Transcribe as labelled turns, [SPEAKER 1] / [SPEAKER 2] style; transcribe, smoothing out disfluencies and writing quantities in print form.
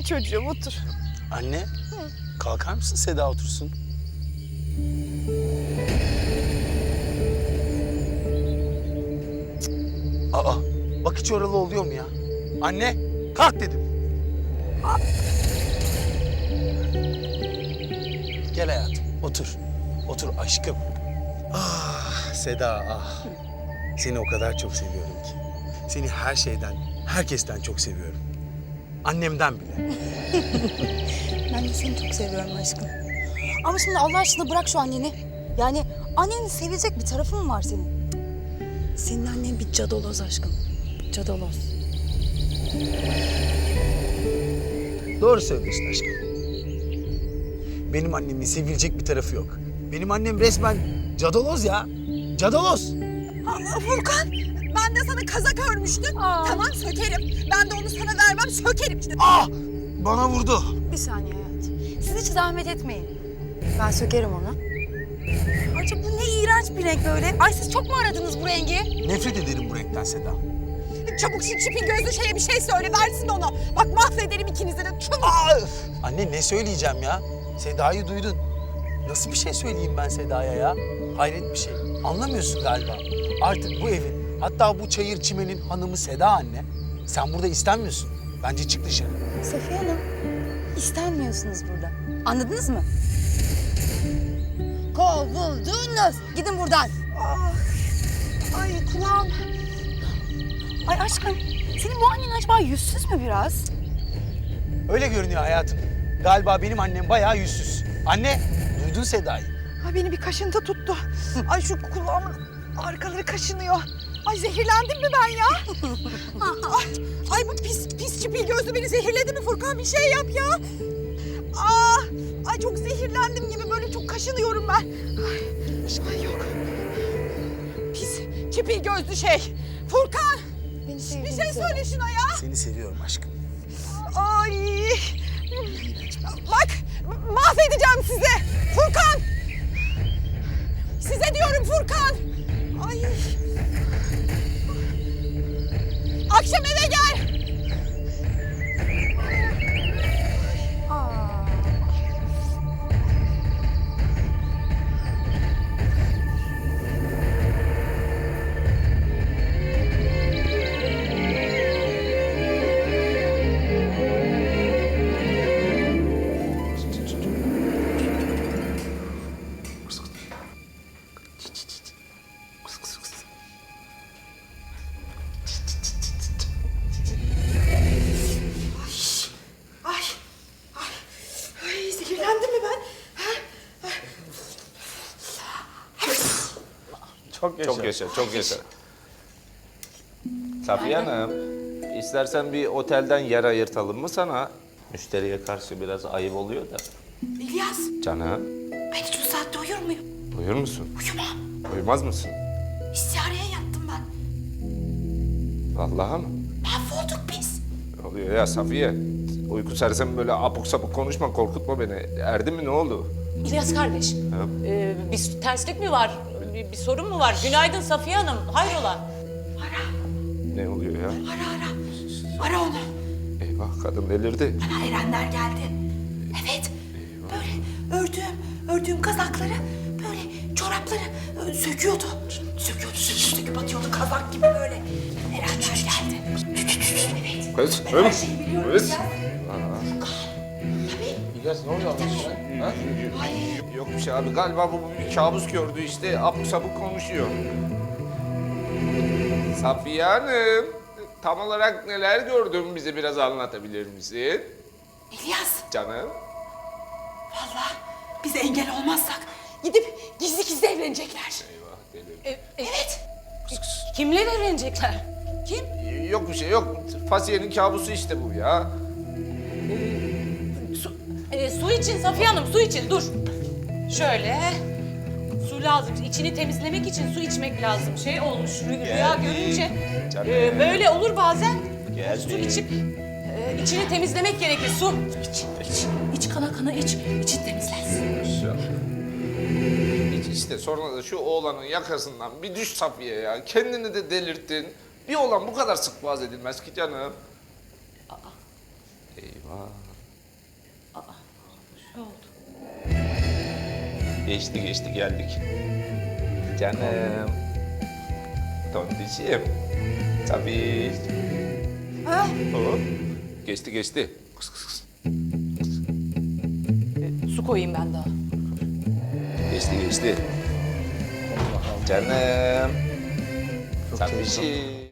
[SPEAKER 1] çocuğum, otur.
[SPEAKER 2] Anne, kalkar mısın Seda otursun? Aa, bak hiç oralı oluyor mu ya? Anne, kalk dedim. Gel hayatım, otur. Otur aşkım. Ah Seda, ah. Seni o kadar çok seviyorum ki. Seni her şeyden, herkesten çok seviyorum. Annemden bile.
[SPEAKER 1] Ben de seni çok seviyorum aşkım. Ama şimdi Allah aşkına bırak şu anneni. Yani annenin sevecek bir tarafı mı var senin? Senin annen bir cadaloz aşkım. Cadaloz.
[SPEAKER 2] Doğru söylüyorsun aşkım. Benim annemin sevilecek bir tarafı yok. Benim annem resmen cadaloz ya. Cadaloz.
[SPEAKER 3] Furkan, ben de sana kazak örmüştüm. Tamam, sökerim. Ben de onu sana vermem, sökerim işte.
[SPEAKER 2] Ah! Bana vurdu.
[SPEAKER 1] Bir saniye hayatım. Siz hiç zahmet etmeyin. Ben sökerim onu. Ayrıca bu ne iğrenç bir renk böyle. Ay siz çok mu aradınız bu rengi?
[SPEAKER 2] Nefret ederim bu renkten Seda.
[SPEAKER 3] Çabuk şu çipin gözlü şeye bir şey söyle, versin onu. Bak mahvederim ikinizi de, çabuk.
[SPEAKER 2] Anne ne söyleyeceğim ya? Seda'yı duydun. Nasıl bir şey söyleyeyim ben Seda'ya ya? Hayret bir şey. Anlamıyorsun galiba. Artık bu evin, hatta bu çayır çimenin hanımı Seda anne. Sen burada istenmiyorsun. Bence çık dışarı.
[SPEAKER 1] Safiye Hanım, istenmiyorsunuz burada. Anladınız mı? Kovuldunuz. Gidin buradan.
[SPEAKER 3] Ay kulağım.
[SPEAKER 1] Ay aşkım, senin bu annen acaba yüzsüz mü biraz?
[SPEAKER 2] Öyle görünüyor hayatım. Galiba benim annem bayağı yüzsüz. Anne, duydun Seda'yı.
[SPEAKER 3] Ay beni bir kaşıntı tuttu. Ay şu kulağımın arkaları kaşınıyor. Ay zehirlendim mi ben ya? ay bu pis çipil gözlü beni zehirledi mi Furkan? Bir şey yap ya. Ay çok zehirlendim gibi, böyle çok kaşınıyorum ben. Ay yok. Pis çipil gözlü şey. Furkan, bir şey söyle şuna ya.
[SPEAKER 2] Seni seviyorum aşkım.
[SPEAKER 3] Ay. Bak mahvedeceğim sizi. Furkan. Size diyorum Furkan. Ay. Akşam eve gel. Ay zehirlendim mi ben?
[SPEAKER 2] Çok yaşa.
[SPEAKER 4] Çok yaşa, çok yaşa. Safiye Hanım, istersen bir otelden yer ayırtalım mı sana? Müşteriye karşı biraz ayıp oluyor da.
[SPEAKER 3] İlyas,
[SPEAKER 4] Canım,
[SPEAKER 3] ben hiç bu saatte uyur muyum?
[SPEAKER 4] uyur musun?
[SPEAKER 3] Uyumam.
[SPEAKER 4] Uyumaz mısın?
[SPEAKER 3] İstihareye yattım ben.
[SPEAKER 4] Vallahi mı?
[SPEAKER 3] Mahvolduk biz.
[SPEAKER 4] Ne oluyor ya Safiye? Uyku sersem böyle apuk sapuk konuşma, korkutma beni. Erdi mi, ne oldu?
[SPEAKER 5] İlyas kardeş, bir terslik mi var? Bir sorun mu var? Günaydın Safiye Hanım, hayrola?
[SPEAKER 4] Ne oluyor ya?
[SPEAKER 3] Ara onu.
[SPEAKER 4] Eyvah, kadın delirdi.
[SPEAKER 3] Bana erenler geldi. Evet. Böyle ördüğüm kazakları, böyle çorapları söküyordu. Söküp atıyordu kazak gibi böyle. Erenler geldi. Evet.
[SPEAKER 4] Kız,
[SPEAKER 3] Her şeyi biliyorum
[SPEAKER 4] kız.
[SPEAKER 3] ya.
[SPEAKER 4] İlyas ne oluyor ha? Yok bir şey abi, galiba bu bir kabus gördü işte, apuk sapuk konuşuyor. Safiye Hanım, tam olarak neler gördün, bize biraz anlatabilir misin?
[SPEAKER 3] İlyas,
[SPEAKER 4] Canım.
[SPEAKER 3] vallahi biz engel olmazsak gidip gizli evlenecekler.
[SPEAKER 4] Eyvah, delirdi.
[SPEAKER 3] Evet.
[SPEAKER 5] Kimle evlenecekler? Kim?
[SPEAKER 4] Yok bir şey yok, Fasiye'nin kabusu işte bu ya.
[SPEAKER 5] Su için Safiye Hanım, su için, dur. Şöyle, su lazım. İçini temizlemek için su içmek lazım. Şey olmuş, rüya görünce.
[SPEAKER 4] Canım.
[SPEAKER 5] Böyle olur bazen.
[SPEAKER 4] Geldi.
[SPEAKER 5] Su içip içini temizlemek gerekir, su. İç kana kana iç, için temizlensin.
[SPEAKER 4] Hiç işte sonra da şu oğlanın yakasından bir düş Safiye ya. Kendini de delirttin. Bir oğlan bu kadar sık boğaz edilmez ki canım. Eyvah. Geçti geldik. Canım. Tontişim. Tabii. Hop. Geçti. Kıs kıs kıs.
[SPEAKER 5] Su koyayım ben daha.
[SPEAKER 4] Geçti. Canım.
[SPEAKER 2] Çok
[SPEAKER 4] Tabii.